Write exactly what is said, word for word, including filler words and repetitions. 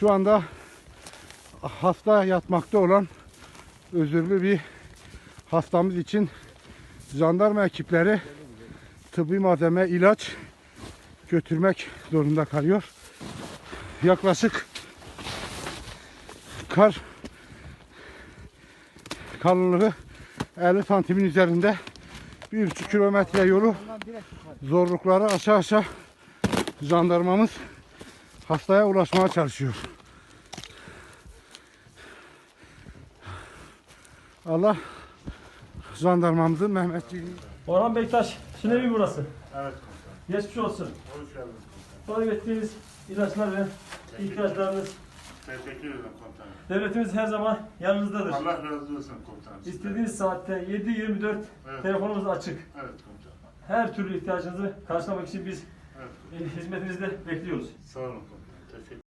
Şu anda hasta yatmakta olan özürlü bir hastamız için jandarma ekipleri tıbbi malzeme, ilaç götürmek zorunda kalıyor. Yaklaşık kar kalınlığı elli santimin üzerinde bir buçuk kilometre yolu zorlukları aşağı aşağı jandarmamız hastaya ulaşmaya çalışıyor. Allah jandarmamızın Mehmetçiğini... Orhan Bektaş, şimdi evi burası. Evet komutanım. Geçmiş olsun. Hoş geldiniz Talep ettiğiniz ilaçlar ve ihtiyaçlarınız. Teşekkür ederim komutanım. Devletimiz her zaman yanınızdadır. Allah razı olsun komutanım. İstediğiniz saatte yedi yirmi dört Evet. telefonumuz açık. Evet komutanım. Her türlü ihtiyacınızı karşılamak için biz Evet. hizmetinizde bekliyoruz. Sağ olun komutanım. Teşekkür